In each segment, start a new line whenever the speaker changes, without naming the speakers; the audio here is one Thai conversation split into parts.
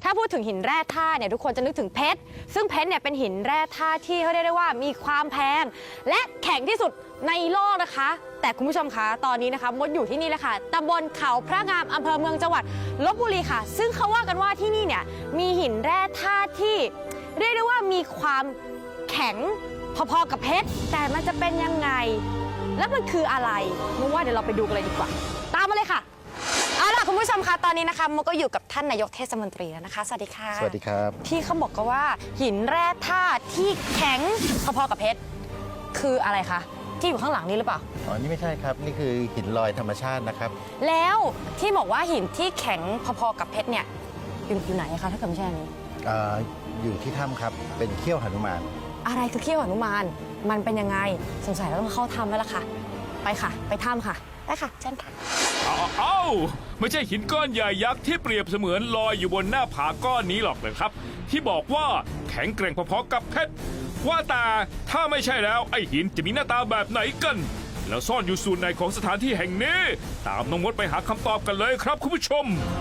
ถ้าพูดถึงหินแร่ธาตุเนี่ยทุกคนจะนึกถึงเพชรซึ่งเพชรเนี่ยเป็นหินแร่ธาตุที่เขาเรียกได้ว่ามีความแพงและแข็งที่สุดในโลกนะคะแต่คุณผู้ชมคะตอนนี้นะคะมดอยู่ที่นี่แล้วค่ะตำบลเขาพระงามอำเภอเมืองจังหวัดลบบุรีค่ะซึ่งเขาว่ากันว่าที่นี่เนี่ยมีหินแร่ธาตุที่เรียกได้ว่ามีความแข็งพอๆกับเพชรแต่มันจะเป็นยังไงแล้วมันคืออะไรนึกว่าเดี๋ยวเราไปดูกันเลยดีกว่าตามมาเลยค่ะเอาล่ะคุณผู้ชมคะตอนนี้นะคะมดก็อยู่กับท่านนายกเทศมนตรีแล้วนะคะสวัสดีค่ะ
สวัสดีครับ
ที่เขาบอกกันว่าหินแร่ธาตุที่แข็งพอๆกับเพชรคืออะไรคะที่อยู่ข้างหลังนี้หรือเปล่า
อ๋อนี่ไม่ใช่ครับนี่คือหินลอยธรรมชาตินะครับ
แล้วที่บอกว่าหินที่แข็งพอๆกับเพชรเนี่ยอยู่ไหนคะถ้าเกิดไม่ใช่อันนี้
อยู่ที่ถ้ำครับเป็นเขี้ยวหนุมาน
อะไรคือเขี้ยวหนุมานมันเป็นยังไงสงสัยเราต้องเข้าถ้ำแล้วล่ะค่ะไปค่ะไปถ้ำค่ะไปค่ะเชิญค่ะ
อ้าวไม่ใช่หินก้อนใหญ่ยักษ์ที่เปรียบเสมือนลอยอยู่บนหน้าผาก้อนนี้หรอกเลยครับที่บอกว่าแข็งแกร่งพอๆกับเพชรว่าแต่ถ้าไม่ใช่แล้วไอ้หินจะมีหน้าตาแบบไหนกันแล้วซ่อนอยู่ส่วนไหนของสถานที่แห่งนี้ตามน้องมดไปหาคำตอบกันเลยครับคุณผู้ชม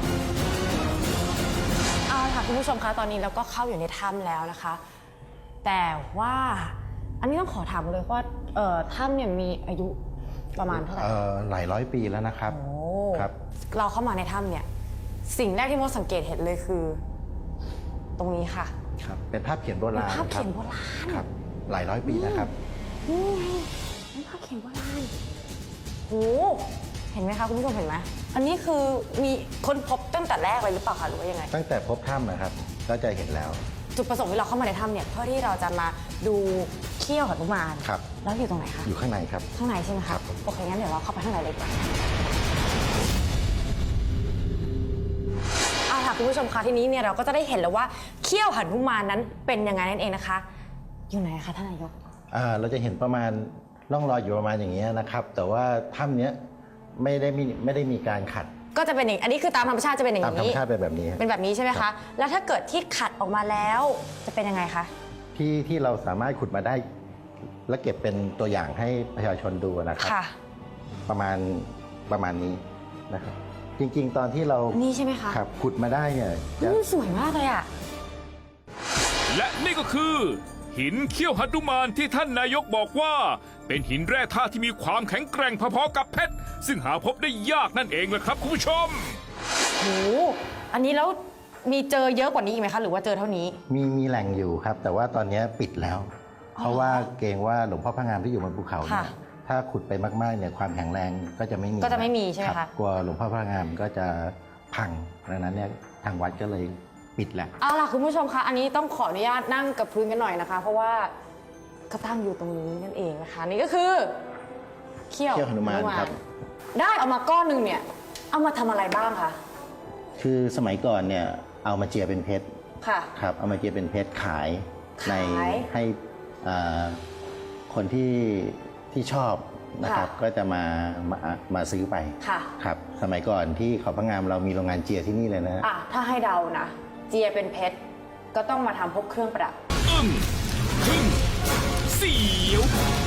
เอาค่ะคุณผู้ชมคะตอนนี้เราก็เข้าอยู่ในถ้ำแล้วนะคะแต่ว่าอันนี้ต้องขอถามเลยว่าถ้ำเนี่ยมีอายุประมาณเท่าไหร่
หลายร้อยปีแล้วนะครับ
ครับเราเข้ามาในถ้ำเนี่ยสิ่งแรกที่มดสังเกตเห็นเลยคือตรงนี้ค่ะ
ครับเป็นภาพเขียนโบราณ
ภาพเขียนโบราณ
ครับหลายร้อยปีนะครับ
นี่ไงเป็นภาพเขียนโบราณโหเห็นไหมคะคุณผู้ชมเห็นไหมอันนี้คือมีคนพบตั้งแต่แรกเลยหรือเปล่าคะหรือว่ายังไง
ตั้งแต่พบถ้ำนะครับก็จะเห็นแล้ว
จุดประสงค์ที่เราเข้ามาในถ้ำเนี่ยเพื่อที่เราจะมาดูเขี้ยวหนุมาน
ครับ
แล้วอยู่ตรงไหนคะ
อยู่ข้างในครับ
ข้างในใช่ไหมครับโอเคงั้นเดี๋ยวเราเข้าไปข้างในเลยดีกว่าเอาล่ะคุณผู้ชมคะทีนี้เนี่ยเราก็จะได้เห็นแล้วว่าเขี้ยวหนุมานนั้นเป็นยังไงนั่นเองนะคะอยู่ไหนคะท่านนายก
เราจะเห็นประมาณร่องรอยอยู่ประมาณอย่างนี้นะครับแต่ว่าถ้ำเนี้ยไม่ได้มีการขัด
ก็จะเป็นอย่างอันนี้คือตามธรรมชาติจะเป็นอย่างนี้
ตามธรรมชาติเป็นแบบนี้
เป็นแบบนี้ใช่ไหมคะแล้วถ้าเกิดที่ขัดออกมาแล้วจะเป็นยังไงคะ
ที่เราสามารถขุดมาได้และเก็บเป็นตัวอย่างให้ประชาชนดูนะครับประมาณนี้นะครับจริงๆตอนที่เรา
นี่ใช่ไหมคะ
ครับขุดมาได้เนี่ย
สวยมากเลยอ่ะ
และนี่ก็คือหินเขี้ยวหนุมานที่ท่านนายกบอกว่าเป็นหินแร่ธาตุที่มีความแข็งแกร่งพอๆกับเพชรซึ่งหาพบได้ยากนั่นเองแหละครับคุณผู้ชม
โหอันนี้แล้วมีเจอเยอะกว่านี้อีกไหมคะหรือว่าเจอเท่านี้
มีแหล่งอยู่ครับแต่ว่าตอนนี้ปิดแล้วเพราะว่าเกรงว่าหลวงพ่อพระงามที่อยู่บนภูเขาเนี่ยถ้าขุดไปมากๆเนี่ยความแข็งแรงก็จะไม่
มีใช่ไหมคะ
กลัวหลวงพ่อพระงามก็จะพังดังนั้นเนี่ยทางวัดก็เลยปิดแหละ
เอาล่ะคุณผู้ชมคะอันนี้ต้องขออนุญาตนั่งกับพื้นกันหน่อยนะคะเพราะว่าก็ตั้งอยู่ตรงนี้นั่นเองนะคะนี่ก็คือเขี้ยว
หนุมานครับ
ได้เอามาก้อนหนึ่งเนี่ยเอามาทำอะไรบ้างคะ
คือสมัยก่อนเนี่ยเอามาเจียเป็นเพชร
ค่ะ
ครับเอามาเจียเป็นเพชรขายให้คนที่ชอบนะครับก็จะมาซื้อไปครับสมัยก่อนที่เขาพระงามเรามีโรงงานเจียที่นี่เลยนะ
ถ้าให้เดานะเจียเป็นเพชรก็ต้องมาทำพวกเครื่องประดับ
ทึ่งเสียว